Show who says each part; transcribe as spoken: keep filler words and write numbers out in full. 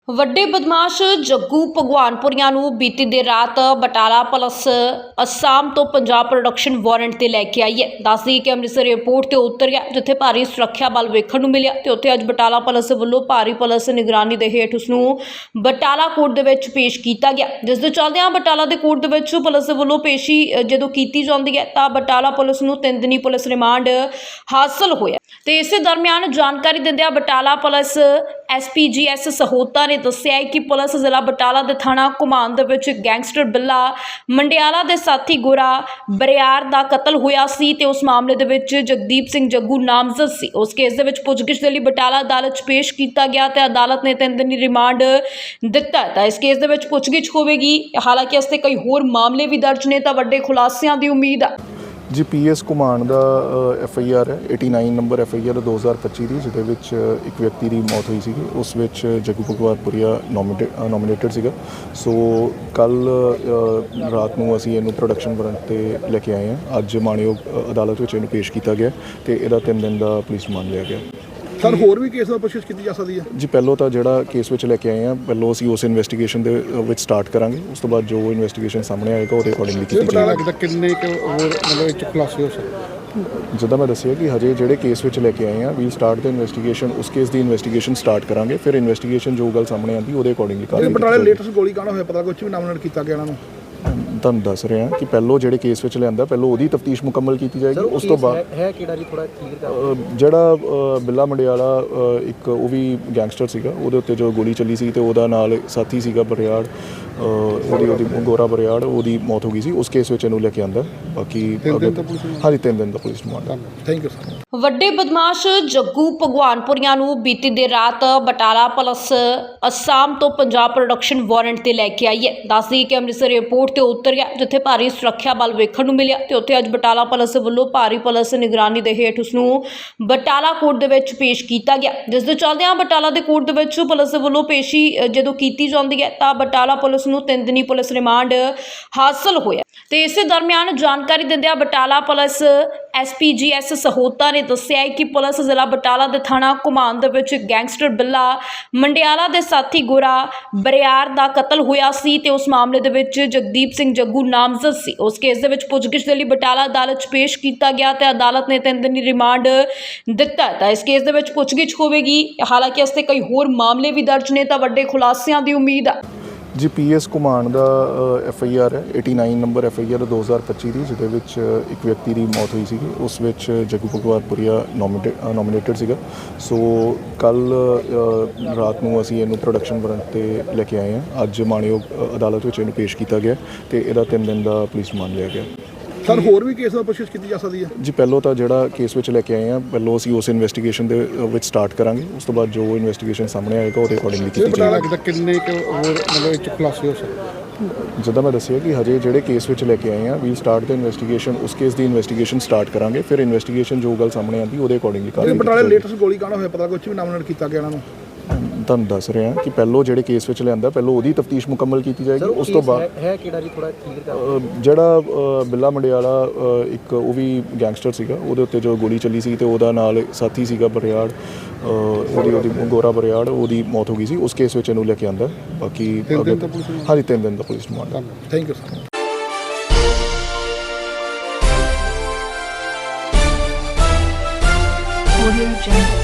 Speaker 1: ਵੱਡੇ ਬਦਮਾਸ਼ ਜੱਗੂ ਭਗਵਾਨਪੁਰੀਆਂ ਨੂੰ ਬੀਤੀ ਦੇਰ ਰਾਤ ਬਟਾਲਾ ਪੁਲਿਸ ਅਸਾਮ ਤੋਂ ਪੰਜਾਬ ਪ੍ਰੋਡਕਸ਼ਨ ਵਾਰੰਟ ਤੇ ਲੈ ਕੇ ਆਈ ਹੈ। ਦੱਸਦੀ ਕਿ ਅੰਮ੍ਰਿਤਸਰ ਏਅਰਪੋਰਟ ਤੇ ਉਤਰ ਗਿਆ, ਜਿੱਥੇ ਭਾਰੀ ਸੁਰੱਖਿਆ ਬਲ ਵੇਖਣ ਨੂੰ ਮਿਲਿਆ ਤੇ ਉੱਥੇ ਅੱਜ ਬਟਾਲਾ ਪੁਲਿਸ ਵੱਲੋਂ ਭਾਰੀ ਪੁਲਿਸ ਨਿਗਰਾਨੀ ਦੇ ਹੇਠ ਉਸ ਨੂੰ ਬਟਾਲਾ ਕੋਰਟ ਦੇ ਵਿੱਚ ਪੇਸ਼ ਕੀਤਾ ਗਿਆ, ਜਿਸ ਦੇ ਚੱਲਦਿਆਂ ਬਟਾਲਾ ਦੇ ਕੋਰਟ ਦੇ ਵਿੱਚ ਪੁਲਿਸ ਵੱਲੋਂ ਪੇਸ਼ੀ ਜਦੋਂ ਕੀਤੀ ਜਾਂਦੀ ਹੈ ਤਾਂ ਬਟਾਲਾ ਪੁਲਿਸ ਨੂੰ ਤਿੰਨ ਦਿਨੀ ਪੁਲਿਸ ਰਿਮਾਂਡ ਹਾਸਲ ਹੋਇਆ। ਤੇ ਇਸੇ ਦਰਮਿਆਨ ਜਾਣਕਾਰੀ ਦਿੰਦਿਆਂ Batala police S P G S Sahota ਨੇ ਦੱਸਿਆ ਹੈ ਕਿ ਪੁਲਿਸ ਜ਼ਿਲ੍ਹਾ ਬਟਾਲਾ ਦੇ ਥਾਣਾ ਘੁਮਾਣ ਦੇ ਵਿੱਚ ਗੈਂਗਸਟਰ ਬਿੱਲਾ ਮੰਡਿਆਲਾ ਦੇ ਸਾਥੀ ਗੋਰਾ ਬਰਿਆਰ ਦਾ ਕਤਲ ਹੋਇਆ ਸੀ ਤੇ ਉਸ ਮਾਮਲੇ ਦੇ ਵਿੱਚ ਜਗਦੀਪ ਸਿੰਘ ਜੱਗੂ ਨਾਮਜ਼ਦ ਸੀ। ਉਸ ਕੇਸ ਦੇ ਵਿੱਚ ਪੁੱਛਗਿੱਛ ਦੇ ਲਈ ਬਟਾਲਾ ਅਦਾਲਤ 'ਚ ਪੇਸ਼ ਕੀਤਾ ਗਿਆ ਤੇ ਅਦਾਲਤ ਨੇ ਤਿੰਨ ਦਿਨੀ ਰਿਮਾਂਡ ਦਿੱਤਾ ਤਾਂ ਇਸ ਕੇਸ ਦੇ ਵਿੱਚ ਪੁੱਛਗਿੱਛ ਹੋਵੇਗੀ। ਹਾਲਾਂਕਿ ਇਸ ਤੇ ਕਈ ਹੋਰ ਮਾਮਲੇ ਵੀ ਦਰਜ ਨੇ ਤਾਂ ਵੱਡੇ ਖੁਲਾਸਿਆਂ ਦੀ ਉਮੀਦ ਹੈ।
Speaker 2: ਜੀ ਪੀ ਐਸ ਘੁਮਾਣ ਦਾ ਐਫ ਆਈ ਆਰ ਹੈ ਉਣਾਸੀ ਨੰਬਰ ਐਫ ਆਈ ਆਰ ਦੋ ਹਜ਼ਾਰ ਪੱਚੀ ਦੀ, ਜਿਹਦੇ ਵਿੱਚ ਇੱਕ ਵਿਅਕਤੀ ਦੀ ਮੌਤ ਹੋਈ ਸੀਗੀ। ਉਸ ਵਿੱਚ ਜੱਗੂ ਭਗਵਾਨਪੁਰੀਆ ਨੋਮੀਨੇਟ ਨੋਮੀਨੇਟਡ ਸੀਗਾ। ਸੋ ਕੱਲ੍ਹ ਰਾਤ ਨੂੰ ਅਸੀਂ ਇਹਨੂੰ ਪ੍ਰੋਡਕਸ਼ਨ ਵਾਰੰਟ 'ਤੇ ਲੈ ਕੇ ਆਏ ਹਾਂ। ਅੱਜ ਮਾਣਯੋਗ ਅਦਾਲਤ ਵਿੱਚ ਇਹਨੂੰ ਪੇਸ਼ ਕੀਤਾ ਗਿਆ ਤੇ ਇਹਦਾ ਤਿੰਨ ਦਿਨ ਦਾ ਪੁਲਿਸ ਰਿਮਾਂਡ ਲਿਆ ਗਿਆ।
Speaker 3: ਸਰ ਹੋਰ ਵੀ ਕੇਸ ਦਾ ਪੁੱਛਗਿੱਛ ਕੀਤੀ ਜਾ ਸਕਦੀ ਹੈ
Speaker 2: ਜੀ। ਪਹਿਲੋਂ ਤਾਂ ਜਿਹੜਾ ਕੇਸ ਵਿੱਚ ਲੈ ਕੇ ਆਏ ਹਾਂ, ਪਹਿਲੋਂ ਅਸੀਂ ਉਸ ਇਨਵੈਸਟੀਗੇਸ਼ਨ ਦੇ ਵਿੱਚ ਸਟਾਰਟ ਕਰਾਂਗੇ। ਉਸ ਤੋਂ ਬਾਅਦ ਜੋ ਇਨਵੈਸਟੀਗੇਸ਼ਨ ਸਾਹਮਣੇ ਆਏਗਾ ਉਹਦੇ ਅਕੋਰਡਿੰਗਲੀ ਕੀਤੀ ਜਾਏਗੀ।
Speaker 3: ਕਿੰਨੇ ਕੁ ਹੋਰ ਮਤਲਬ ਇਹ 'ਚ ਖੁਲਾਸੇ ਹੋ ਸਕਦੇ?
Speaker 2: ਜਿੱਦਾਂ ਮੈਂ ਦੱਸਿਆ ਕਿ ਹਜੇ ਜਿਹੜੇ ਕੇਸ ਵਿੱਚ ਲੈ ਕੇ ਆਏ ਹਾਂ, ਵੀ ਸਟਾਰਟ ਦਾ ਇਨਵੈਸਟੀਗੇਸ਼ਨ, ਉਸ ਕੇਸ ਦੀ ਇਨਵੈਸਟੀਗੇਸ਼ਨ ਸਟਾਰਟ ਕਰਾਂਗੇ। ਫਿਰ ਇਨਵੈਸਟੀਗੇਸ਼ਨ ਜੋ ਗੱਲ ਸਾਹਮਣੇ ਆਉਂਦੀ ਉਹਦੇ ਅਕੋਰਡਿੰਗਲੀ ਕਰਾਂਗੇ।
Speaker 3: ਬਟਾਲੇ ਲੇਟੈਸਟ ਗੋਲੀ ਕਾਂਡ ਹੋਇਆ, ਪਤਾ ਕੁਝ ਵੀ ਨਾਮਨਡ ਕੀਤਾ ਗਿਆ ਇਹਨਾਂ ਨੂੰ?
Speaker 2: ਤੁਹਾਨੂੰ ਦੱਸ ਰਿਹਾ ਕਿ ਪਹਿਲੋਂ ਜਿਹੜੇ ਕੇਸ ਵਿੱਚ ਲਿਆਂਦਾ, ਪਹਿਲੋਂ ਉਹਦੀ ਤਫਤੀਸ਼ ਮੁਕੰਮਲ ਕੀਤੀ ਜਾਏਗੀ। ਉਸ ਤੋਂ ਬਾਅਦ
Speaker 4: ਹੈ ਕਿਹੜਾ ਜੀ ਥੋੜਾ ਕਲੀਅਰ ਕਰ
Speaker 2: ਜਿਹੜਾ ਬਿੱਲਾ ਮੰਡਿਆਲਾ ਇੱਕ ਉਹ ਵੀ ਗੈਂਗਸਟਰ ਸੀਗਾ, ਉਹਦੇ ਉੱਤੇ ਜੋ ਗੋਲੀ ਚੱਲੀ ਸੀ ਤੇ ਉਹਦਾ ਨਾਲ ਸਾਥੀ ਸੀਗਾ ਬਰਿਆੜ, ਉਹਦੀ ਉਹਦੀ ਗੋਰਾ ਬਰਿਆੜ, ਉਹਦੀ ਮੌਤ ਹੋ ਗਈ ਸੀ। ਉਸ ਕੇਸ ਵਿੱਚ ਇਹਨੂੰ ਲੈ ਕੇ ਆਂਦਾ। ਬਾਕੀ ਹਾਂਜੀ ਤਿੰਨ ਦਿਨ ਦਾ police remand.
Speaker 3: Thank you sir.
Speaker 1: ਵੱਡੇ ਬਦਮਾਸ਼ ਜੱਗੂ ਭਗਵਾਨਪੁਰੀਆਂ ਨੂੰ ਬੀਤੀ ਦੇਰ ਰਾਤ ਬਟਾਲਾ ਪੁਲਿਸ ਅਸਾਮ ਤੋਂ ਪੰਜਾਬ ਪ੍ਰੋਡਕਸ਼ਨ ਵਾਰੰਟ ਤੇ ਲੈ ਕੇ ਆਈ ਹੈ। ਦੱਸਦੀ ਕਿ ਅੰਮ੍ਰਿਤਸਰ ਏਅਰਪੋਰਟ ਤੇ ਉਤਰ ਗਿਆ, ਜਿੱਥੇ ਭਾਰੀ ਸੁਰੱਖਿਆ ਬਲ ਵੇਖਣ ਨੂੰ ਮਿਲਿਆ ਤੇ ਉੱਥੇ ਅੱਜ ਬਟਾਲਾ ਪੁਲਿਸ ਵੱਲੋਂ ਭਾਰੀ ਪੁਲਿਸ ਨਿਗਰਾਨੀ ਦੇ ਹੇਠ ਉਸ ਨੂੰ ਬਟਾਲਾ ਕੋਰਟ ਦੇ ਵਿੱਚ ਪੇਸ਼ ਕੀਤਾ ਗਿਆ, ਜਿਸ ਦੇ ਚੱਲਦਿਆਂ ਬਟਾਲਾ ਦੇ ਕੋਰਟ ਦੇ ਵਿੱਚ ਪੁਲਿਸ ਵੱਲੋਂ ਪੇਸ਼ੀ ਜਦੋਂ ਕੀਤੀ ਜਾਂਦੀ ਹੈ ਤਾਂ ਬਟਾਲਾ ਪੁਲਿਸ ਨੂੰ ਤਿੰਨ ਦਿਨੀ ਪੁਲਿਸ ਰਿਮਾਂਡ ਹਾਸਲ ਹੋਇਆ। ਤੇ ਇਸੇ ਦਰਮਿਆਨ ਜਾਣਕਾਰੀ ਦਿੰਦਿਆਂ Batala police S P G S Sahota ਨੇ ਦੱਸਿਆ ਹੈ ਕਿ ਪੁਲਿਸ ਜ਼ਿਲ੍ਹਾ ਬਟਾਲਾ ਦੇ ਥਾਣਾ ਘੁਮਾਣ ਦੇ ਵਿੱਚ ਗੈਂਗਸਟਰ ਬਿੱਲਾ ਮੰਡਿਆਲਾ ਦੇ ਸਾਥੀ ਗੋਰਾ ਬਰਿਆਰ ਦਾ ਕਤਲ ਹੋਇਆ ਸੀ ਤੇ ਉਸ ਮਾਮਲੇ ਦੇ ਵਿੱਚ ਜਗਦੀਪ ਸਿੰਘ ਜੱਗੂ ਨਾਮਜ਼ਦ ਸੀ। ਉਸ ਕੇਸ ਦੇ ਵਿੱਚ ਪੁੱਛਗਿੱਛ ਦੇ ਲਈ ਬਟਾਲਾ ਅਦਾਲਤ 'ਚ ਪੇਸ਼ ਕੀਤਾ ਗਿਆ ਤੇ ਅਦਾਲਤ ਨੇ ਤਿੰਨ ਦਿਨੀ ਰਿਮਾਂਡ ਦਿੱਤਾ ਤਾਂ ਇਸ ਕੇਸ ਦੇ ਵਿੱਚ ਪੁੱਛਗਿੱਛ ਹੋਵੇਗੀ। ਹਾਲਾਂਕਿ ਇਸ ਤੇ ਕਈ ਹੋਰ ਮਾਮਲੇ ਵੀ ਦਰਜ ਨੇ ਤਾਂ ਵੱਡੇ ਖੁਲਾਸਿਆਂ ਦੀ ਉਮੀਦ ਹੈ।
Speaker 2: ਜੀ ਪੀ ਐਸ ਘੁਮਾਣ ਦਾ ਐਫ ਆਈ ਆਰ ਹੈ ਉਣਾਸੀ ਨੰਬਰ ਐਫ ਆਈ ਆਰ ਦੋ ਹਜ਼ਾਰ ਪੱਚੀ ਦੀ, ਜਿਹਦੇ ਵਿੱਚ ਇੱਕ ਵਿਅਕਤੀ ਦੀ ਮੌਤ ਹੋਈ ਸੀਗੀ। ਉਸ ਵਿੱਚ ਜੱਗੂ ਭਗਵਾਨਪੁਰੀਆ ਨੋਮੀਨੇਟ ਨੋਮੀਨੇਟਡ ਸੀਗਾ। ਸੋ ਕੱਲ੍ਹ ਰਾਤ ਨੂੰ ਅਸੀਂ ਇਹਨੂੰ ਪ੍ਰੋਡਕਸ਼ਨ ਵਾਰੰਟ 'ਤੇ ਲੈ ਕੇ ਆਏ ਹਾਂ। ਅੱਜ ਮਾਣਯੋਗ ਅਦਾਲਤ ਵਿੱਚ ਇਹਨੂੰ ਪੇਸ਼ ਕੀਤਾ ਗਿਆ ਤੇ ਇਹਦਾ ਤਿੰਨ ਦਿਨ ਦਾ ਪੁਲਿਸ ਰਿਮਾਂਡ ਲਿਆ ਗਿਆ।
Speaker 3: ਸਰ ਹੋਰ ਵੀ ਕੇਸ ਦਾ ਪੁੱਛਗਿੱਛ ਕੀਤੀ ਜਾ ਸਕਦੀ ਹੈ?
Speaker 2: ਜੀ ਪਹਿਲੋਂ ਤਾਂ ਜਿਹੜਾ ਕੇਸ ਵਿੱਚ ਲੈ ਕੇ ਆਏ ਹਾਂ, ਪਹਿਲੋਂ ਅਸੀਂ ਉਸ ਇਨਵੈਸਟੀਗੇਸ਼ਨ ਦੇ ਵਿੱਚ ਸਟਾਰਟ ਕਰਾਂਗੇ। ਉਸ ਤੋਂ ਬਾਅਦ ਜੋ ਇਨਵੈਸਟੀਗੇਸ਼ਨ ਸਾਹਮਣੇ ਆਏਗਾ ਉਹਦੇ ਅਕੋਰਡਿੰਗਲੀ ਕੀਤੀ ਜਾਏਗੀ।
Speaker 3: ਕਿੰਨੇ ਕੁ ਹੋਰ ਮਤਲਬ ਇਹ 'ਚ ਖੁਲਾਸੇ ਹੋ ਸਕਦੇ?
Speaker 2: ਜਿੱਦਾਂ ਮੈਂ ਦੱਸਿਆ ਕਿ ਹਜੇ ਜਿਹੜੇ ਕੇਸ ਵਿੱਚ ਲੈ ਕੇ ਆਏ ਹਾਂ, ਵੀ ਸਟਾਰਟ ਦਾ ਇਨਵੈਸਟੀਗੇਸ਼ਨ, ਉਸ ਕੇਸ ਦੀ ਇਨਵੈਸਟੀਗੇਸ਼ਨ ਸਟਾਰਟ ਕਰਾਂਗੇ। ਫਿਰ ਇਨਵੈਸਟੀਗੇਸ਼ਨ ਜੋ ਗੱਲ ਸਾਹਮਣੇ ਆਉਂਦੀ ਉਹਦੇ ਅਕੋਰਡਿੰਗਲੀ ਕਰਾਂਗੇ।
Speaker 3: ਬਟਾਲੇ ਲੇਟੈਸਟ ਗੋਲੀ ਕਾਂਡ ਹੋਇਆ, ਪਤਾ ਕੁਝ ਵੀ ਨਾਮਨਡ ਕੀਤਾ ਗਿਆ ਇਹਨਾਂ ਨੂੰ?
Speaker 2: ਤੁਹਾਨੂੰ ਦੱਸ ਰਿਹਾ ਕਿ ਪਹਿਲੋਂ ਜਿਹੜੇ ਕੇਸ ਵਿੱਚ ਲਿਆਂਦਾ, ਪਹਿਲੋਂ ਉਹਦੀ ਤਫਤੀਸ਼ ਮੁਕੰਮਲ ਕੀਤੀ ਜਾਏਗੀ। ਉਸ ਤੋਂ ਬਾਅਦ
Speaker 4: ਹੈ ਕਿਹੜਾ ਜੀ ਥੋੜਾ ਕਲੀਅਰ ਕਰ
Speaker 2: ਜਿਹੜਾ ਬਿੱਲਾ ਮੰਡਿਆਲਾ ਇੱਕ ਉਹ ਵੀ ਗੈਂਗਸਟਰ ਸੀਗਾ, ਉਹਦੇ ਉੱਤੇ ਜੋ ਗੋਲੀ ਚੱਲੀ ਸੀ ਤੇ ਉਹਦਾ ਨਾਲ ਸਾਥੀ ਸੀਗਾ ਬਰਿਆੜ, ਉਹਦੀ ਉਹਦੀ ਗੋਰਾ ਬਰਿਆੜ, ਉਹਦੀ ਮੌਤ ਹੋ ਗਈ ਸੀ। ਉਸ ਕੇਸ ਵਿੱਚ ਇਹਨੂੰ ਲੈ ਕੇ ਆਂਦਾ। ਬਾਕੀ ਹਾਂਜੀ ਤਿੰਨ ਦਿਨ ਦਾ police remand.
Speaker 3: Thank you sir.
Speaker 1: Audio Jungle.